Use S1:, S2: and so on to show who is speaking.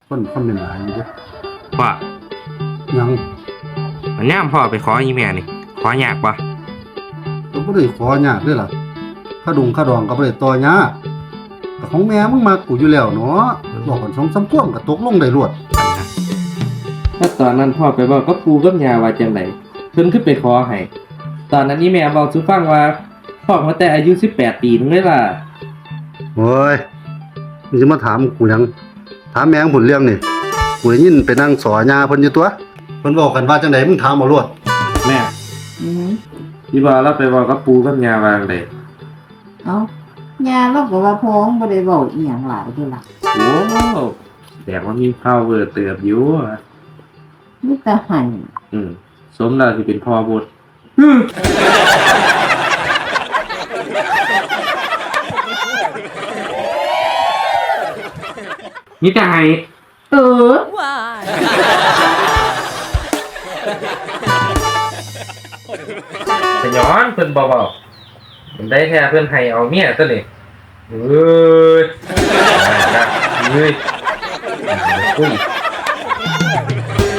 S1: คนคอมเมนต์หลายอยู่เด้อ
S2: พ่อ
S1: ยัง
S2: มันย่ามพ่อไปขออีแม่นี่ขอยากปะ
S1: ก็บ่ได้ขอยากเด้อล่ะค่าค่าดองก็บ่ได้ต่อยากแต่ของแม่มึงมักกูอยู่แล้วเนาะบอกกัน2-3ท่วงก็ตกลงได้รวด
S2: ถ้าตอนนั้นพ่อไปบอกก็ปูกับยาว่าจังไดเพิ่นขึ้นไปขอให้ตอนนั้นนี่แม่บอกสู่ฟังว่าพ่อมาแต่อายุ18ปีนึงเลยล่ะ
S1: โอ้ยมึงจะมาถามกูหยังถามแม่งผลเรื่องนี่กูได้ยินไปนั่งสอยาเพิ่นอยู่ตัวเพิ่นบอกกันว่าจังไดมึงถามเอาโลด
S2: แม่พี่บอกเราไปบอกกับปูกับยาว่าจังได
S3: เอ้าย่าเราก็ว่าพ้องบ่ได้เว้าอีหยังหลายเด้ล่ะ
S2: โอ้แต่ว่ามีข้าวเวอร์เติบอยู่
S3: มีแต่หั่น
S2: สมแล้วสิเป็นพ่อบุตรมีแต่ให้แต่ย้อนเพิ่นบ่เว้ามันได้แค่เพิ่นให้เอาเมียซะนี่เอ้ยนะเอ้ยคุย